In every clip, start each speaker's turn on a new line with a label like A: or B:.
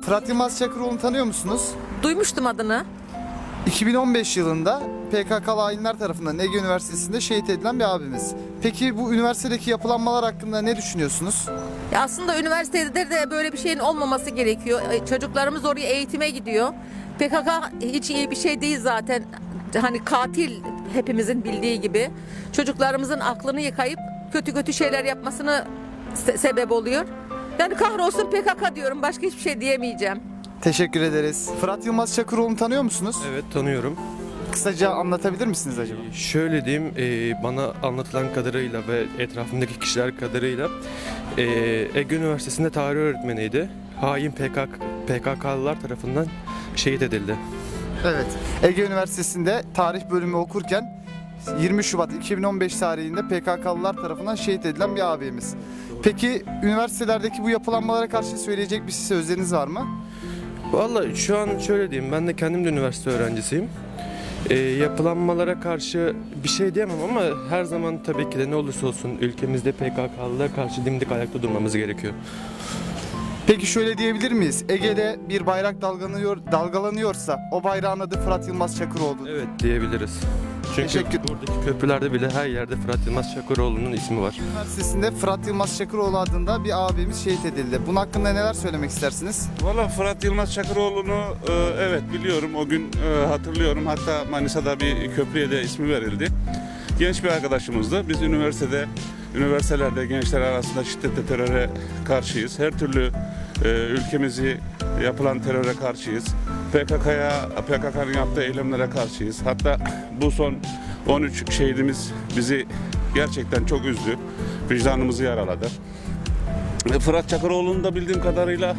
A: Fırat Yılmaz Çakıroğlu'nu tanıyor musunuz?
B: Duymuştum adını.
A: 2015 yılında PKK'lı hainler tarafından Ege Üniversitesi'nde şehit edilen bir abimiz. Peki bu üniversitedeki yapılanmalar hakkında ne düşünüyorsunuz?
B: Ya aslında üniversitede de böyle bir şeyin olmaması gerekiyor. Çocuklarımız oraya eğitime gidiyor. PKK hiç iyi bir şey değil zaten. Hani katil, hepimizin bildiği gibi. Çocuklarımızın aklını yıkayıp kötü kötü şeyler yapmasını sebep oluyor. Yani kahrolsun PKK diyorum. Başka hiçbir şey diyemeyeceğim.
A: Teşekkür ederiz. Fırat Yılmaz Çakıroğlu'nu tanıyor musunuz?
C: Evet, tanıyorum.
A: Kısaca anlatabilir misiniz acaba?
C: Şöyle diyeyim, bana anlatılan kadarıyla ve etrafımdaki kişiler kadarıyla Ege Üniversitesi'nde tarih öğretmeniydi. Hain PKK'lılar tarafından şehit edildi.
A: Evet. Ege Üniversitesi'nde tarih bölümü okurken 20 Şubat 2015 tarihinde PKK'lılar tarafından şehit edilen bir abimiz. Peki üniversitelerdeki bu yapılanmalara karşı söyleyecek bir sözleriniz var mı?
C: Vallahi şu an şöyle diyeyim, ben de kendim de üniversite öğrencisiyim. Yapılanmalara karşı bir şey diyemem ama her zaman tabii ki de ne olursa olsun ülkemizde PKK'lılara karşı dimdik ayakta durmamız gerekiyor.
A: Peki şöyle diyebilir miyiz? Ege'de bir bayrak dalgalanıyorsa o bayrağın adı Fırat Yılmaz Çakıroğlu.
C: Evet, diyebiliriz. Çünkü buradaki köprülerde bile her yerde Fırat Yılmaz Çakıroğlu'nun ismi var.
A: Üniversitesinde Fırat Yılmaz Çakıroğlu adında bir abimiz şehit edildi. Bunun hakkında neler söylemek istersiniz?
D: Valla Fırat Yılmaz Çakıroğlu'nu evet biliyorum. O gün hatırlıyorum. Hatta Manisa'da bir köprüye de ismi verildi. Genç bir arkadaşımızdı. Biz üniversitelerde gençler arasında şiddete, teröre karşıyız. Her türlü ülkemizi yapılan teröre karşıyız. PKK'nın yaptığı eylemlere karşıyız. Hatta bu son 13 şehidimiz bizi gerçekten çok üzdü. Vicdanımızı yaraladı. Fırat Çakıroğlu'nu da bildiğim kadarıyla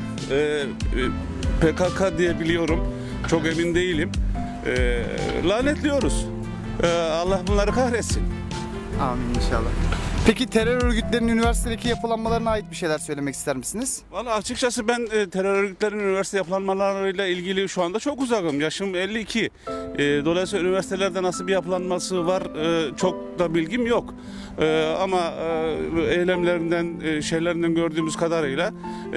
D: PKK diye biliyorum. Çok emin değilim. Lanetliyoruz. Allah bunları kahretsin.
A: Amin inşallah. Peki terör örgütlerinin üniversitedeki yapılanmalarına ait bir şeyler söylemek ister misiniz?
D: Valla açıkçası ben terör örgütlerinin üniversite yapılanmalarıyla ilgili şu anda çok uzakım. Yaşım 52. Dolayısıyla üniversitelerde nasıl bir yapılanması var çok da bilgim yok. Ama eylemlerinden, şeylerinden gördüğümüz kadarıyla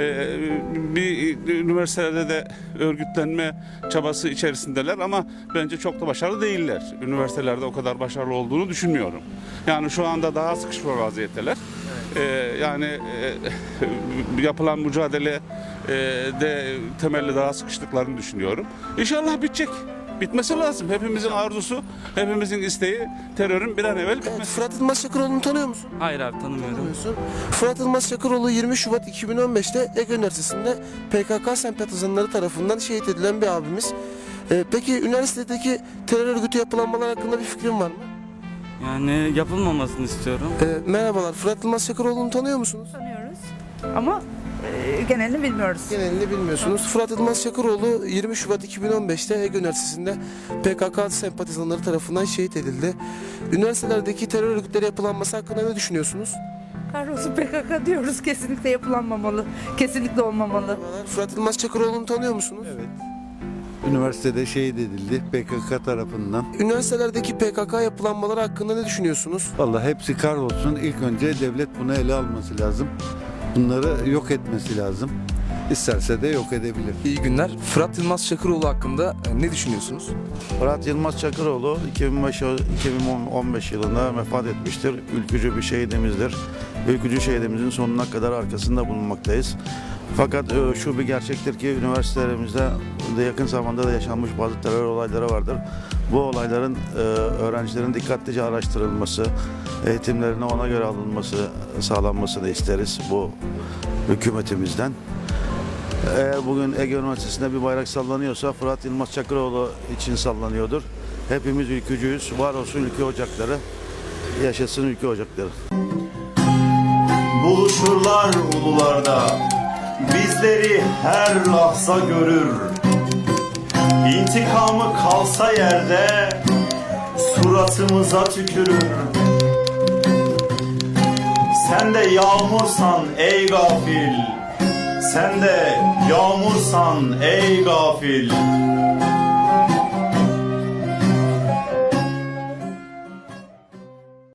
D: bir üniversitelerde de örgütlenme çabası içerisindeler ama bence çok da başarılı değiller. Üniversitelerde o kadar başarılı olduğunu düşünmüyorum. Yani şu anda daha sıkışmış vaziyetteler. Yani yapılan mücadele de temelli daha sıkıştıklarını düşünüyorum. İnşallah bitecek. Bitmesi lazım. Hepimizin arzusu, hepimizin isteği terörün bir an evvel bitmesi.
E: Evet, Fırat Yılmaz Çakıroğlu'nu tanıyor musun?
F: Hayır abi, tanımıyorum.
E: Tanımıyorsun. Fırat Yılmaz Çakıroğlu 20 Şubat 2015'te Ege Üniversitesi'nde PKK sempatizanları tarafından şehit edilen bir abimiz. Peki üniversitedeki terör örgütü yapılanmalar hakkında bir fikrin var mı?
F: Yani yapılmamasını istiyorum.
E: Merhabalar, Fırat Yılmaz Çakıroğlu'nu tanıyor musunuz?
G: Tanıyoruz ama genelini bilmiyoruz.
E: Genelini bilmiyorsunuz. Fırat Yılmaz Çakıroğlu 20 Şubat 2015'te Ege Üniversitesi'nde PKK sempatizanları tarafından şehit edildi. Üniversitelerdeki terör örgütleri yapılanması hakkında ne düşünüyorsunuz?
G: Kahrolsun PKK diyoruz. Kesinlikle yapılanmamalı. Kesinlikle olmamalı.
E: Fırat Yılmaz Çakıroğlu'nu tanıyor musunuz?
H: Evet. Üniversitede şehit edildi PKK tarafından.
E: Üniversitelerdeki PKK yapılanmaları hakkında ne düşünüyorsunuz?
H: Vallahi hepsi kahrolsun. İlk önce devlet bunu ele alması lazım. Bunları yok etmesi lazım. İsterse de yok edebilir.
I: İyi günler. Fırat Yılmaz Çakıroğlu hakkında ne düşünüyorsunuz?
J: Fırat Yılmaz Çakıroğlu 2015 yılında vefat etmiştir. Ülkücü bir şehidimizdir. Ülkücü şehidimizin sonuna kadar arkasında bulunmaktayız. Fakat şu bir gerçektir ki üniversitelerimizde de yakın zamanda da yaşanmış bazı terör olayları vardır. Bu olayların öğrencilerin dikkatlice araştırılması, eğitimlerine ona göre alınması, sağlanmasını isteriz bu hükümetimizden. Eğer bugün Ege Üniversitesi'nde bir bayrak sallanıyorsa Fırat Yılmaz Çakıroğlu için sallanıyordur. Hepimiz ülkücüyüz. Var olsun ülke ocakları. Yaşasın ülke ocakları.
K: Buluşurlar ulularda, bizleri her lahza görür. İntikamı kalsa yerde, suratımıza tükürür. Sen de yağmursan ey gafil, sen de yağmursan ey gafil.